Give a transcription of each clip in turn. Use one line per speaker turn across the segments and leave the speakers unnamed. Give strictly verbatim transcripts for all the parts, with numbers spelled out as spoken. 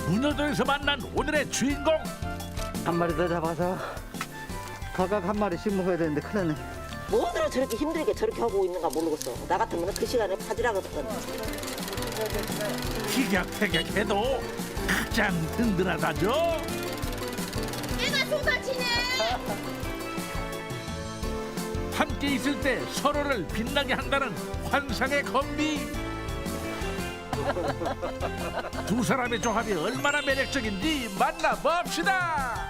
문어도에서 만난 오늘의 주인공.
한 마리 더 잡아서 각각 한 마리씩 먹어야 되는데 큰일 났네.
뭐들어 저렇게 힘들게 저렇게 하고 있는가 모르겠어. 나 같으면 그 시간에 파지라거든.
티격태격해도 가장 든든하다죠.
애가 쏟아지네.
함께 있을 때 서로를 빛나게 한다는 환상의 건비. 두 사람의 조합이 얼마나 매력적인지 만나봅시다.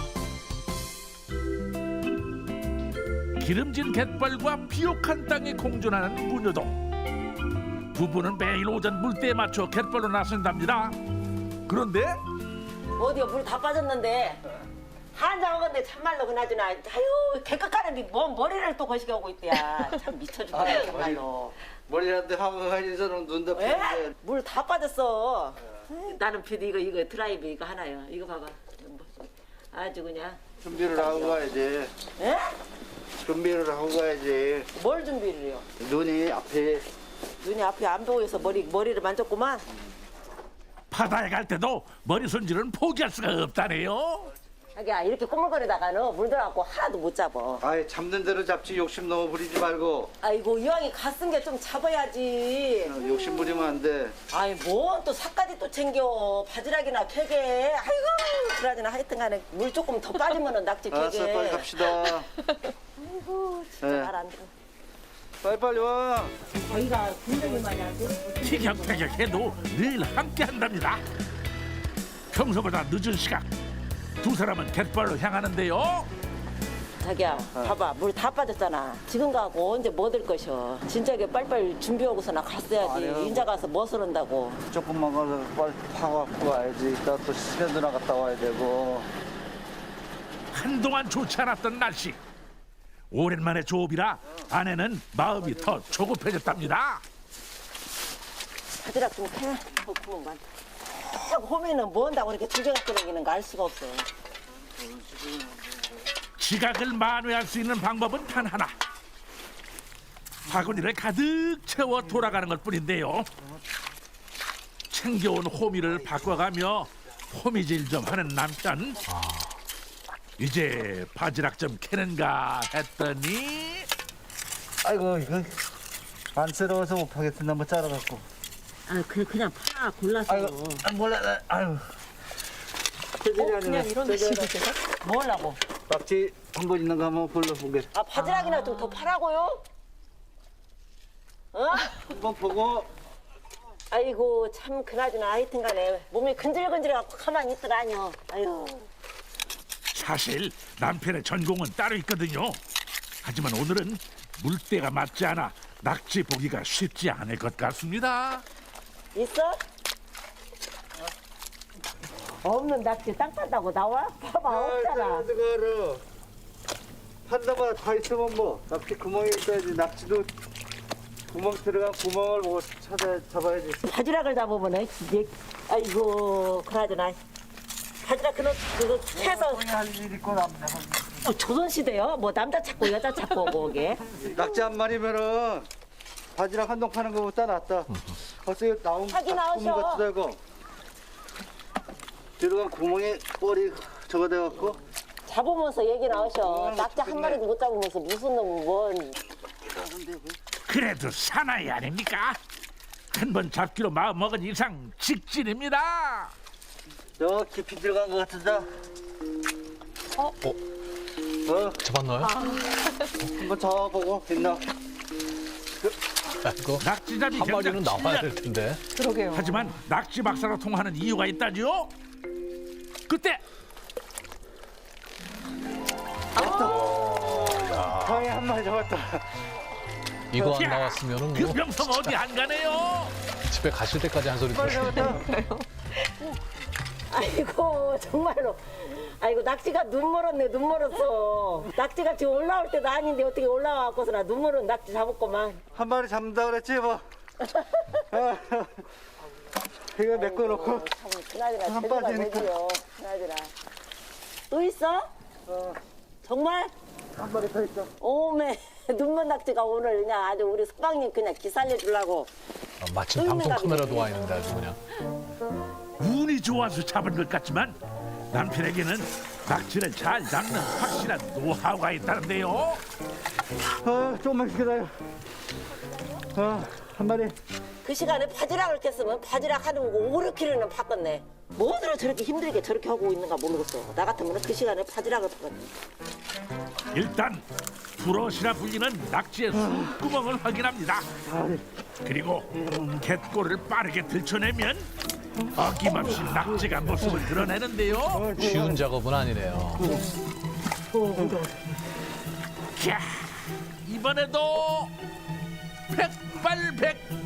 기름진 갯벌과 비옥한 땅이 공존하는 문여동. 부부는 매일 오전 물때에 맞춰 갯벌로 나선답니다. 그런데
어디요 물 다 빠졌는데 한장 먹었는데 참말로 그나저나 아유 개껏 가는데 뭔 머리를 또 거시게 하고 있대야. 참 미쳐 죽겠네 정말로.
머리한테 하고 가지서는 눈 덮이는데.
물 다 빠졌어. 나는 피디 이거 이거 드라이브 이거 하나요. 이거 봐봐. 아주 그냥.
준비를 하고 가야지.
에?
준비를 하고 가야지.
뭘 준비를 해요?
눈이 앞에.
눈이 앞에 안 보여서 머리 머리를 만졌구만.
바다에 갈 때도 머리 손질은 포기할 수가 없다네요.
자기야 이렇게 꼬물거리다가는 물 들어갖고 하나도 못 잡아.
아예 잡는 대로 잡지 욕심 너무 부리지 말고.
아이고 이왕이 갔은 게 좀 잡아야지.
어, 욕심 부리면 안 돼.
아이 뭐 또 삭까지 또 챙겨 바지락이나 캐게. 아이고 그러지나 하여튼간에 물 조금 더 빠지면은 낙지 캐게.
알았어, 빨리 갑시다.
아이고 진짜
네.
말 안 들어.
빨리 빨리 와.
저희가 굉장히 많이 안 돼.
티격태격해도 늘 함께 한답니다. 평소보다 늦은 시각 두 사람은 갯벌로 향하는데요.
자기야 봐봐 물 다 빠졌잖아. 지금 가고 언제 뭐 될 것이오. 진작에 빨리빨리 준비하고서나 갔어야지.
아니요.
인자 가서 뭐 쓰는다고.
조금만 가서 빨리 파갖고 와야지. 이따 또 시내도 나갔다 와야 되고.
한동안 좋지 않았던 날씨. 오랜만에 조업이라 아내는 마음이 더 조급해졌답니다.
바지락 좀 캐. 어, 그만. 자꾸 호미는 뭐 한다고 이렇게 두개갖고 다니는가 알 수가 없어.
지각을 만회할 수 있는 방법은 단 하나. 바구니를 가득 채워 돌아가는 것 뿐인데요. 챙겨온 호미를 바꿔가며 호미질 좀 하는 남편. 이제 바지락 좀 캐는가 했더니
아이고 이거 안쓰러워서 못 파겠습니다. 한번 잘라갖고.
아, 그 그냥 파 골라서.
아이고 아, 몰라. 나- 아유.
어, 그냥 이런 식이세요? 뭐 하려고?
낙지 한 번 있는 거 한번 불러보게.
아, 바지락이나 좀 더 파라고요? 어?
한번 보고.
아이고, 참 그나저나 하여튼 간에 몸이 근질근질해갖고 가만히 있더라뇨. 아유.
사실 남편의 전공은 따로 있거든요. 하지만 오늘은 물때가 맞지 않아 낙지 보기가 쉽지 않을 것 같습니다.
있어? 없는 낙지 땅 판다고 나와? 봐봐, 없잖아.
그거를 판다마다 다 있으면 뭐 낙지 구멍이 있어야지. 낙지도 구멍 들어간 구멍을 뭐 찾아 잡아야지.
바지락을 잡으면은 이제 아이고 그나저나 바지락 그거 그거 해서
할일 있고 남자.
어, 조선시대요? 뭐 남자 찾고 여자 찾고 거기에
낙지 한 마리면은 바지락 한 동 파는 거보다 낫다. 벌써 이거 나온
하긴
구멍
나오셔.
같기도 하고 들어간 구멍에 뻘이 저거 돼갖고.
잡으면서 얘기 나오셔.
어,
낙지 한 마리도 못 잡으면서 무슨 놈은 뭔
그래도 사나이 아닙니까? 한 번 잡기로 마음먹은 이상 직진입니다.
저 깊이 들어간 것 같은데.
어?
어?
잡았나요?
한번 잡아보고 됐나?
이거
낙지잡이
한 마리는
경작
나와야
칠 년.
될 텐데.
그러게요.
하지만 낙지 박사로 통하는 이유가 있다지요. 그때
다행히 한 마리 잡았다.
이거 안
야,
나왔으면은
그
뭐
명성 어디 안 가네요.
집에 가실 때까지 한 소리 들으시고.
아이고 정말로 아이고 낙지가 눈 멀었네 눈 멀었어. 낙지가 지금 올라올 때도 아닌데 어떻게 올라와갖고서 나 눈 멀은 낙지 잡았구만.
한 마리 잡는다 그랬지 뭐. 아, 이거 메꿔놓고.
참 그나저나
한
제대가
빠지니까.
뭐지요. 그나저나 또 있어?
어,
정말?
한 마리 더 있어.
오메 눈먼 낙지가 오늘 그냥 아주 우리 석방님 그냥 기살려 주려고
아, 마침
또
방송
있는
카메라도
갑이네.
와 있는데 아주 그냥.
운이 좋아서 잡은 것 같지만 남편에게는 낙지를 잘 낚는 확실한 노하우가 있다는데요.
아, 조금만 기다려. 아, 한 마리.
그 시간에 바지락을 깼으면 바지락 하는 거 오백 킬로는 팠겠네. 뭐들어 저렇게 힘들게 저렇게 하고 있는가 모르겠어. 나 같으면 그 시간에 바지락을 팠겠네.
일단 브러시라 불리는 낙지의 숨구멍을 확인합니다. 그리고 갯골을 빠르게 들춰내면 어김없이 낙지가 모습을 드러내는데요.
쉬운 작업은 아니네요.
자, 이번에도 백발백중.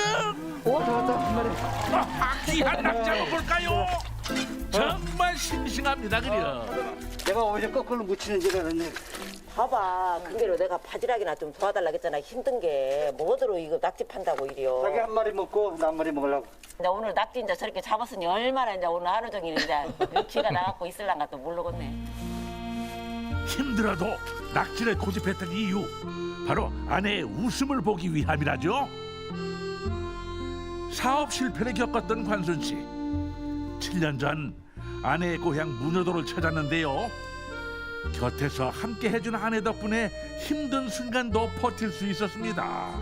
아하, 귀한 낙지 한번 볼까요? 정말 싱싱합니다, 그려.
내가 오히려 거꾸로 묻히는 줄 알았네.
봐봐, 근데로 내가 바지락이나 좀 도와달라 했잖아. 힘든 게 뭐더러 이거 낙지 판다고 이래요.
자기 한 마리 먹고 나 한 마리 먹으려고.
이제 오늘 낙지 이제 저렇게 잡았으니 얼마나 이제 오늘 하루 종일 이제 기가 나갖고 있을란가 또 모르겠네.
힘들어도 낙지를 고집했던 이유 바로 아내의 웃음을 보기 위함이라죠. 사업 실패를 겪었던 관순 씨. 칠 년 전 아내의 고향 문여도를 찾았는데요. 곁에서 함께 해준 아내 덕분에 힘든 순간도 버틸 수 있었습니다.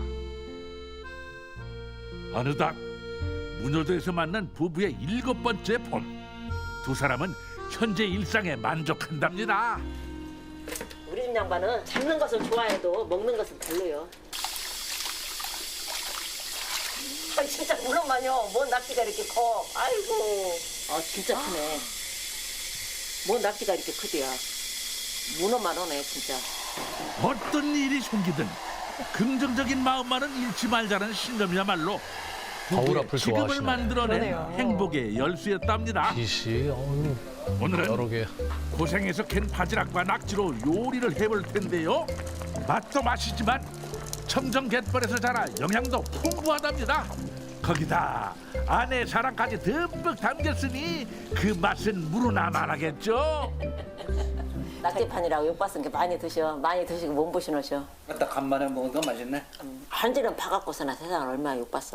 어느덧 문여도에서 만난 부부의 일곱 번째 봄. 두 사람은 현재 일상에 만족한답니다.
우리 집 양반은 잡는 것을 좋아해도 먹는 것은 별로요. 아 진짜 물론만요. 뭔 낙지가 이렇게 커. 아이고. 아 진짜 크네. 뭔 낙지가 이렇게 크대야. 문어만 오네 진짜.
어떤 일이 생기든 긍정적인 마음만은 잃지 말자는 신념이야말로
거울
부부의
앞을
지금을
좋아하시네.
만들어낸
그러네요.
행복의 열쇠였답니다.
빛이 어우,
오늘은
여러 개.
고생해서 캔 바지락과 낙지로 요리를 해볼 텐데요. 맛도 맛이지만 첨정 갯벌에서 자라 영양도 풍부하답니다. 거기다 아내의 사랑까지 듬뿍 담겼으니 그 맛은 무르나 말하겠죠.
낙지판이라고 욕봤은 게 많이 드셔. 많이 드시고 몸보신하셔.
딱 간만에 먹으니까 맛있네.
한지는 봐갖고서나 세상을 얼마나 욕봤어.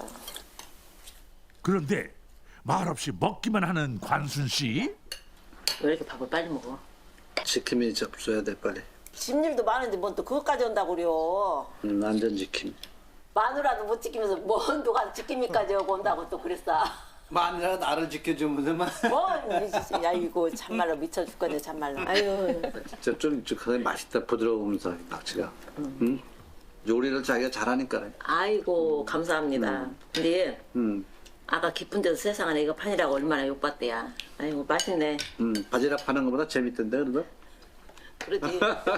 그런데 말없이 먹기만 하는 관순 씨.
왜 이렇게 밥을 빨리 먹어?
지킴이 접수해야 돼 빨리.
집일도 많은데 뭔 또 그것까지 온다고 그래요.
음, 안전 지킴.
마누라도 못 지키면서 뭔 누가 지킴이까지 오고 온다고 또 그랬어.
마누라 나를 지켜주면서만.
뭔 야 이거 참말로 미쳐 죽겠네 참말로. 아유.
진짜 쫀득하게 맛있다 부드러우면서 낙지가. 응? 요리를 자기가 잘하니까.
아이고 감사합니다. 근데
음,
아까 깊은 데서 세상 안에 이거 판이라고 얼마나 욕봤대야. 아이고 맛있네.
음, 바지락 파는 것보다 재밌던데 그래도.
그러지.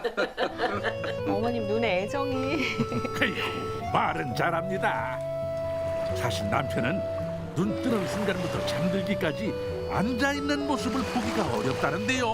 어머님 눈에 애정이.
아이고, 말은 잘합니다. 사실 남편은 눈 뜨는 순간부터 잠들기까지 앉아있는 모습을 보기가 어렵다는데요.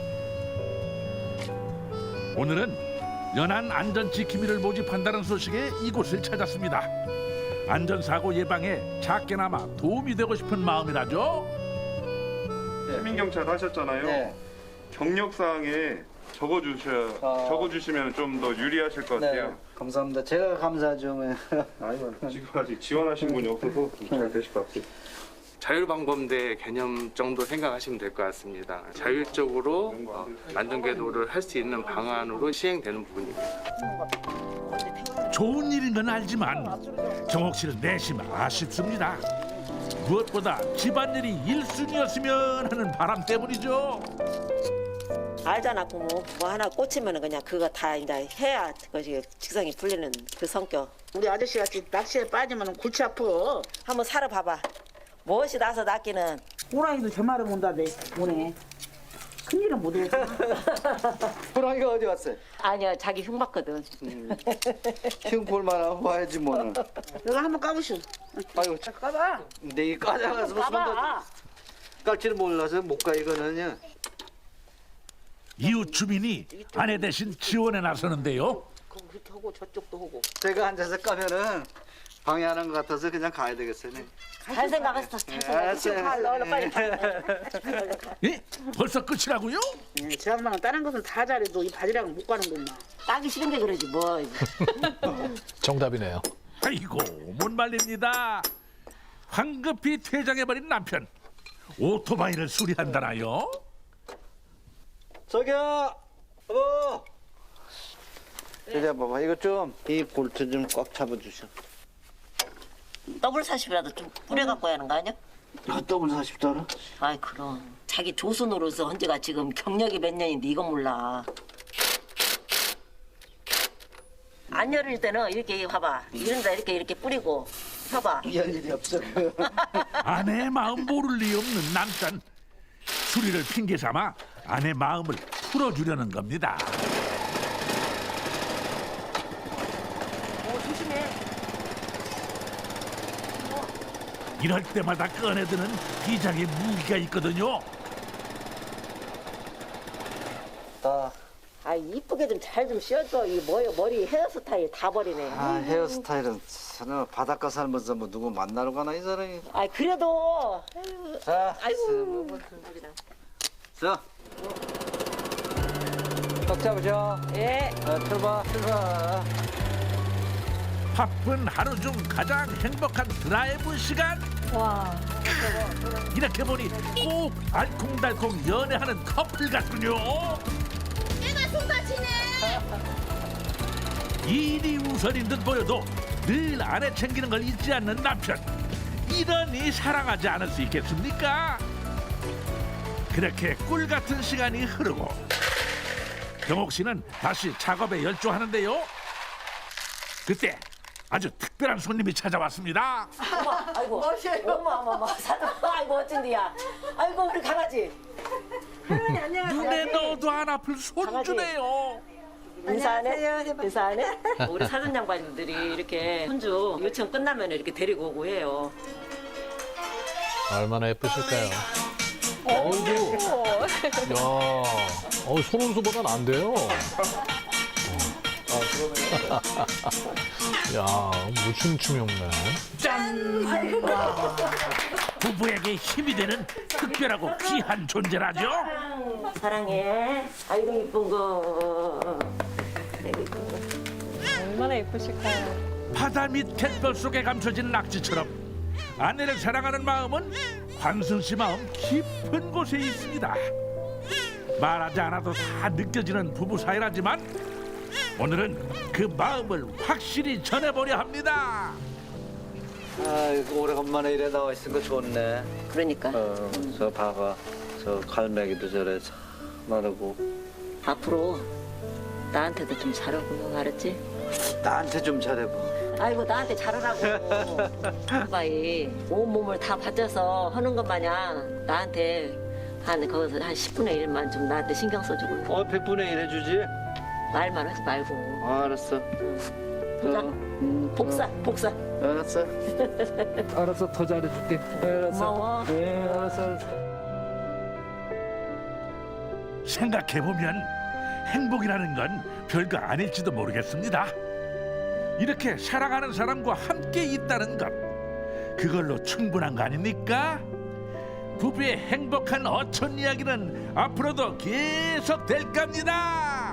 오늘은 연안 안전지킴이를 모집한다는 소식에 이곳을 찾았습니다. 안전사고 예방에 작게나마 도움이 되고 싶은 마음이라죠.
시민경찰 하셨잖아요.
네.
경력사항에 적어주셔
아.
적어주시면 좀 더 유리하실 것 같아요.
네. 감사합니다. 제가 감사하죠.
아이고 지금 아직 지원하신 분이 없어서 잘 되실 것 같아요.
자율방범대 개념 정도 생각하시면 될 것 같습니다. 자율적으로 어, 안전궤도를 할 수 있는 방안으로 시행되는 부분입니다.
좋은 일인 건 알지만 정옥 씨는 내심 아쉽습니다. 무엇보다 집안일이 일순위였으면 하는 바람 때문이죠.
알잖아 부모. 뭐 하나 꽂히면 그냥 그거 다 이제 해야 그것이 직성이 풀리는 그 성격.
우리 아저씨 같이 낚시에 빠지면 골치 아파.
한번 살아봐봐. 무엇이 나서 낚기는
호랑이도 저 말을 본다대 오네. 큰일은 못해.
호랑이가 어디 왔어요?
아니야 자기 흉 봤거든.
흉 볼만한 와야지 뭐는.
내가 한번 까보시오.
아이고
까봐.
내이 까져가서 손도
봐봐.
깔지를 몰라서 못 가 이거는요.
이웃 주민이 아내 대신 지원에 나서는데요.
그렇게 하고 저쪽도 하고.
제가 앉아서 까면은 방해하는 것 같아서 그냥 가야 되겠어요. 네.
잘 생각했어. 잘
알았어요.
생각했어. 얼른 빨리 가.
예? 벌써 끝이라고요?
제 양반은 다른 것은 다 잘해도 이 바지락은 못 가는구만.
따기 싫은 게 그러지 뭐.
정답이네요.
아이고 못 말립니다. 황급히 퇴장해버린 남편. 오토바이를 수리한다나요?
저기요, 여보. 이리 봐봐. 이거 좀 이 볼트 좀 꽉 잡아주셔.
더블 사십이라도 좀 뿌려갖고 하는 거 아니야?
아, 더블 사십 달러?
아이 그럼 자기 조수노로서 헌지가 지금 경력이 몇 년인데 이건 몰라. 안 열릴 때는 이렇게 봐봐. 이런다 이렇게 이렇게 뿌리고 펴봐.
이할 일이 없어.
아내의 마음 모를 리 없는 남편. 수리를 핑계 삼아 아내 마음을 풀어주려는 겁니다.
어 조심해.
이럴 때마다 꺼내드는 비장의 무기가 있거든요.
아,
아 이쁘게 좀 잘 좀 씌워줘. 이 뭐요 머리 헤어스타일 다 버리네.
아 헤어스타일은 저는 바닷가 살면서 뭐 누구 만나러 가나 이 사람이.
아 그래도 아이고,
자,
아이고.
자, 꽉 잡으셔.
예.
자, 출발, 출발.
바쁜 하루 중 가장 행복한 드라이브 시간.
와.
이렇게 보니 꼭 알콩달콩 연애하는 커플 같군요.
애가 쏟아지네.
일이 우선인 듯 보여도 늘 아내 챙기는 걸 잊지 않는 남편. 이러니 사랑하지 않을 수 있겠습니까? 그렇게 꿀 같은 시간이 흐르고 경옥 씨는 다시 작업에 열중하는데요. 그때 아주 특별한 손님이 찾아왔습니다.
아이고. 어머 어머 어머 사람. 아이고 어쩐디야. 아이고 우리 강아지.
눈에 넣어도 안 아플 손주네요.
인사하네. 인사하네. 우리 사전 양반들이 이렇게 손주 요청 끝나면 이렇게 데리고 오고 해요.
얼마나 예쁘실까요? 어이구. 야, 어, 손원수보단 안 돼요. 야, 무춤춤이 없네.
부부에게 힘이 되는 특별하고 귀한 존재라죠.
사랑해. 아이고 이쁜 거.
얼마나 예쁘실까요?
바다 밑 갯벌 속에 감춰진 낙지처럼 아내를 사랑하는 마음은 관순 씨 마음 깊은 곳에 있습니다. 말하지 않아도 다 느껴지는 부부 사이라지만 오늘은 그 마음을 확실히 전해보려 합니다.
아이고 오래간만에 이래 나와 있으니까 좋네.
그러니까
어, 저 봐봐. 저 갈매기도 저래 마르고.
앞으로 나한테도 좀 잘하고 알았지?
나한테 좀 잘해봐.
아이고 나한테 잘하라고. 아빠이 온 몸을 다 바쳐서 하는 것 마냥 나한테 한 거기서 한 십분의 일만 좀 나한테 신경 써주고
어, 백분의 일 해주지?
말만 하지 말고.
아, 알았어.
보자.
어, 음,
복사 복사.
알았어. 알았어, 더 잘해줄게. 알았어.
고마워.
네, 알았어, 알았어.
생각해보면 행복이라는 건 별거 아닐지도 모르겠습니다. 이렇게 사랑하는 사람과 함께 있다는 것, 그걸로 충분한 거 아닙니까? 부부의 행복한 어촌 이야기는 앞으로도 계속 될 겁니다.